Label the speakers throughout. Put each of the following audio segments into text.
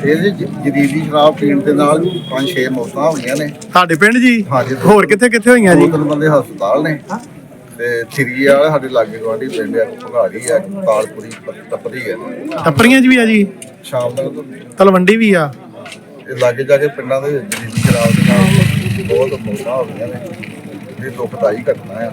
Speaker 1: ਇਹਦੇ ਜਦੀਦੀ ਸ਼ਰਾਬ ਪੀਣ ਦੇ ਨਾਲ 5-6 ਮੌਤਾਂ ਹੋਈਆਂ ਨੇ
Speaker 2: ਸਾਡੇ ਪਿੰਡ ਜੀ।
Speaker 1: ਹਾਂਜੀ।
Speaker 2: ਹੋਰ ਕਿੱਥੇ ਕਿੱਥੇ ਹੋਈਆਂ ਜੀ?
Speaker 1: 2-3 ਬੰਦੇ ਹਸਪਤਾਲ ਨੇ ਤੇ ਥਰੀ ਵਾਲਾ ਸਾਡੇ ਲਾਗੇ ਗਵਾਂਢੀ ਪਿੰਡ ਆ, ਭਗਾੜੀ ਆ, ਤਾਲਪੁਰੀ ਤਪਰੀ ਆ,
Speaker 2: ਟੱਪਰੀਆਂ 'ਚ ਵੀ ਆ ਜੀ,
Speaker 1: ਸ਼ਾਮ ਤੱਕ
Speaker 2: ਤਲਵੰਡੀ ਵੀ ਆ।
Speaker 1: ਇਹ ਲਾਗੇ ਜਾ ਕੇ ਪਿੰਡਾਂ ਦੇ ਵਿੱਚ ਜਦੀਦੀ ਸ਼ਰਾਬ ਦੇ ਨਾਲ ਬਹੁਤ ਮੌਤਾਂ ਹੋ ਗਈਆਂ ਨੇ। ਇਹ ਦੁਖਦਾਈ ਘਟਨਾ ਆ।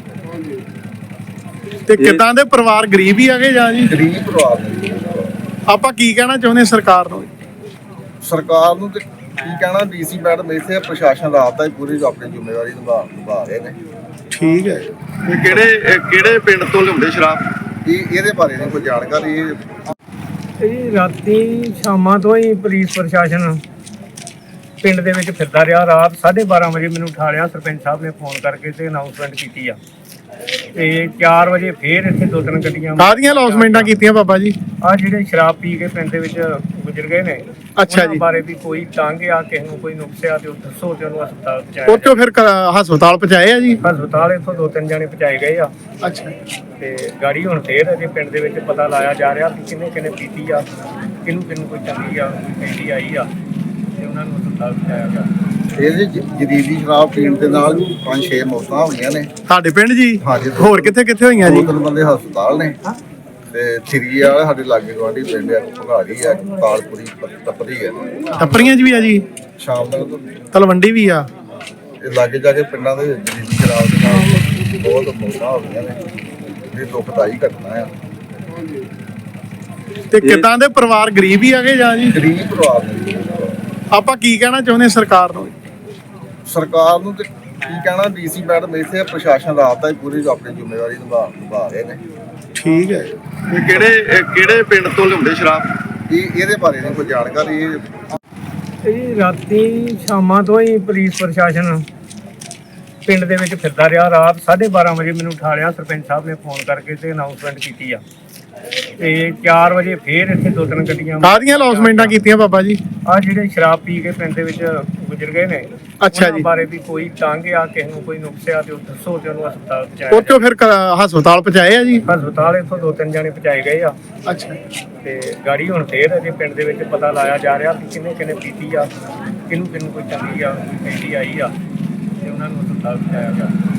Speaker 2: ਤੇ ਕਿੱਦਾਂ ਦੇ ਪਰਿਵਾਰ ਗਰੀਬ ਹੀ ਆਗੇ ਜਾਂ ਜੀ?
Speaker 1: ਗਰੀਬ ਪਰਿਵਾਰ ਨੇ।
Speaker 2: ਆਪਾਂ ਕੀ ਕਹਿਣਾ ਚਾਹੁੰਦੇ ਸਰਕਾਰ ਨੂੰ?
Speaker 1: ਸਰਕਾਰ ਨੂੰ ਤੇ ਕੀ ਕਹਿਣਾ, ਡੀਸੀ ਮੈਡਮ ਇੱਥੇ ਪ੍ਰਸ਼ਾਸਨ ਰਾਤ ਦਾ ਹੀ ਪੂਰੀ ਆਪਣੀ ਜ਼ਿੰਮੇਵਾਰੀ ਨਿਭਾ ਰਹੇ ਨੇ।
Speaker 2: ਠੀਕ ਹੈ।
Speaker 3: ਇਹ ਕਿਹੜੇ ਪਿੰਡ ਤੋਂ ਲਿਆਉਂਦੇ ਸ਼ਰਾਬ?
Speaker 1: ਇਹਦੇ ਬਾਰੇ ਨਹੀਂ ਕੋਈ ਜਾਣਕਾਰੀ।
Speaker 4: ਇਹ ਰਾਤੀ ਸ਼ਾਮਾਂ ਤੋਂ ਹੀ ਪੁਲਿਸ ਪ੍ਰਸ਼ਾਸਨ ਪਿੰਡ ਦੇ ਵਿੱਚ ਫਿਰਦਾ ਰਿਹਾ। ਰਾਤ 12:30 ਵਜੇ ਮੈਨੂੰ ਉਠਾ ਲਿਆ ਸਰਪੰਚ ਸਾਹਿਬ ਨੇ ਫੋਨ ਕਰਕੇ ਤੇ ਅਨਾਉਂਸਮੈਂਟ ਕੀਤੀ ਆ। ਤੇ 4 ਵਜੇ ਫੇਰ ਇੱਥੇ 2-3 ਗੱਡੀਆਂ
Speaker 2: ਕਾਹਦੀਆਂ ਅਨਾਉਂਸਮੈਂਟਾਂ ਕੀਤੀਆਂ ਬਾਬਾ ਜੀ?
Speaker 4: ਆ ਜਿਹੜੇ ਸ਼ਰਾਬ ਪੀ ਕੇ ਪਿੰਡ ਦੇ ਵਿੱਚ ਗੁਜ਼ਰ ਗਏ ਨੇ,
Speaker 2: ਅੱਛਾ
Speaker 4: ਉਹਨਾਂ
Speaker 2: ਜੀ।
Speaker 4: ਬਾਰੇ ਵੀ ਕੋਈ ਤੰਗ ਆ, ਕਿਸੇ ਨੂੰ ਕੋਈ ਨੁਕਸ ਆ ਤੇ ਉਹ ਦੱਸੋ ਤੇ ਉਹਨੂੰ ਹਸਪਤਾਲ ਪਹੁੰਚਾਇਆ
Speaker 2: ਉੱਥੋਂ ਫਿਰ ਹਸਪਤਾਲ ਪਹੁੰਚਾਏ ਆ ਜੀ?
Speaker 4: ਹਸਪਤਾਲ ਇੱਥੋਂ 2-3 ਜਾਣੇ ਪਹੁੰਚਾਏ ਗਏ ਆ।
Speaker 2: ਅੱਛਾ।
Speaker 4: ਤੇ ਗਾੜੀ ਹੁਣ ਫੇਰ ਅਜੇ ਪਿੰਡ ਦੇ ਵਿੱਚ ਪਤਾ ਲਾਇਆ ਜਾ ਰਿਹਾ ਕਿ ਕਿਹਨੇ ਕਿਹਨੇ ਪੀਤੀ ਆ, ਕਿਹਨੂੰ ਕੋਈ ਚੰਗੀ ਆ, ਕੋਈ ਪੈਂਦੀ ਆਈ ਆ, ਤੇ ਉਹਨਾਂ ਨੂੰ ਹਸਪਤਾਲ ਪਹੁੰਚਾਇਆ ਗਿਆ।
Speaker 1: ਇਹਦੇ ਜਦੀਦੀ ਸ਼ਰਾਬ ਪੀਣ ਦੇ ਨਾਲ 5-6 ਮੌਤਾਂ ਹੋਈਆਂ ਨੇ
Speaker 2: ਸਾਡੇ ਪਿੰਡ ਜੀ।
Speaker 1: ਹਾਂਜੀ।
Speaker 2: ਹੋਰ ਕਿੱਥੇ ਕਿੱਥੇ ਹੋਈਆਂ ਜੀ?
Speaker 1: 2-3 ਬੰਦੇ ਹਸਪਤਾਲ ਨੇ ਤੇ ਥਰੀ ਵਾਲਾ ਸਾਡੇ ਲਾਗੇ ਗਵਾਂਢੀ ਪਿੰਡ ਆ, ਭਗਾੜੀ ਆ, ਤਾਲਪੁਰੀ ਤਪਰੀ ਆ,
Speaker 2: ਟੱਪਰੀਆਂ 'ਚ ਵੀ ਆ ਜੀ,
Speaker 1: ਸ਼ਾਮ ਤੱਕ
Speaker 2: ਤਲਵੰਡੀ ਵੀ ਆ।
Speaker 1: ਇਹ ਲਾਗੇ ਜਾ ਕੇ ਪਿੰਡਾਂ ਦੇ ਵਿੱਚ ਜਦੀਦੀ ਸ਼ਰਾਬ ਦੇ ਨਾਲ ਬਹੁਤ ਮੌਤਾਂ ਹੋ ਗਈਆਂ ਨੇ। ਇਹ ਦੁਖਦਾਈ ਘਟਨਾ ਆ।
Speaker 2: ਤੇ ਕਿੱਦਾਂ ਦੇ ਪਰਿਵਾਰ ਗਰੀਬ ਹੀ ਆਗੇ ਜਾਂ ਜੀ?
Speaker 1: ਗਰੀਬ ਪਰਿਵਾਰ ਨੇ।
Speaker 2: ਆਪਾਂ ਕੀ ਕਹਿਣਾ ਚਾਹੁੰਦੇ ਸਰਕਾਰ ਨੂੰ?
Speaker 1: ਸਰਕਾਰ ਨੂੰ ਤੇ ਕੀ ਕਹਿਣਾ, ਡੀਸੀ ਮੈਡਮ ਇੱਥੇ ਪ੍ਰਸ਼ਾਸਨ ਰਾਤ ਦਾ ਹੀ ਪੂਰੀ ਆਪਣੀ ਜ਼ਿੰਮੇਵਾਰੀ ਨਿਭਾ ਰਹੇ ਨੇ।
Speaker 2: ਠੀਕ ਹੈ।
Speaker 3: ਇਹ ਕਿਹੜੇ ਪਿੰਡ ਤੋਂ ਲਿਆਉਂਦੇ ਸ਼ਰਾਬ?
Speaker 1: ਇਹਦੇ ਬਾਰੇ ਨਹੀਂ ਕੋਈ ਜਾਣਕਾਰੀ।
Speaker 4: ਇਹ ਰਾਤੀ ਸ਼ਾਮਾਂ ਤੋਂ ਹੀ ਪੁਲਿਸ ਪ੍ਰਸ਼ਾਸਨ ਪਿੰਡ ਦੇ ਵਿੱਚ ਫਿਰਦਾ ਰਿਹਾ। ਰਾਤ 12:30 ਵਜੇ ਮੈਨੂੰ ਉਠਾ ਲਿਆ ਸਰਪੰਚ ਸਾਹਿਬ ਨੇ ਫੋਨ ਕਰਕੇ ਤੇ ਅਨਾਉਂਸਮੈਂਟ ਕੀਤੀ ਆ। ਤੇ 4 ਵਜੇ ਫੇਰ ਇੱਥੇ 2-3 ਗੱਡੀਆਂ
Speaker 2: ਕਾਹਦੀਆਂ ਅਨਾਉਂਸਮੈਂਟਾਂ ਕੀਤੀਆਂ ਬਾਬਾ ਜੀ?
Speaker 4: ਆ ਜਿਹੜੇ ਸ਼ਰਾਬ ਪੀ ਕੇ ਪਿੰਡ ਦੇ ਵਿੱਚ ਗੁਜ਼ਰ ਗਏ ਨੇ,
Speaker 2: ਅੱਛਾ
Speaker 4: ਉਹਨਾਂ
Speaker 2: ਜੀ।
Speaker 4: ਬਾਰੇ ਵੀ ਕੋਈ ਤੰਗ ਆ, ਕਿਸੇ ਨੂੰ ਕੋਈ ਨੁਕਸ ਆ ਤੇ ਉਹ ਦੱਸੋ ਤੇ ਉਹਨੂੰ ਹਸਪਤਾਲ ਪਹੁੰਚਾਇਆ
Speaker 2: ਉੱਥੋਂ ਫਿਰ ਹਸਪਤਾਲ ਪਹੁੰਚਾਏ ਆ ਜੀ?
Speaker 4: ਹਸਪਤਾਲ ਇੱਥੋਂ 2-3 ਜਾਣੇ ਪਹੁੰਚਾਏ ਗਏ ਆ।
Speaker 2: ਅੱਛਾ।
Speaker 4: ਤੇ ਗਾੜੀ ਹੁਣ ਫੇਰ ਅਜੇ ਪਿੰਡ ਦੇ ਵਿੱਚ ਪਤਾ ਲਾਇਆ ਜਾ ਰਿਹਾ ਕਿ ਕਿਹਨੇ ਕਿਹਨੇ ਪੀਤੀ ਆ, ਕਿਹਨੂੰ ਕੋਈ ਚੰਗੀ ਆ, ਕੋਈ ਪੈਂਦੀ ਆਈ ਆ, ਤੇ ਉਹਨਾਂ ਨੂੰ ਹਸਪਤਾਲ ਪਹੁੰਚਾਇਆ ਗਿਆ।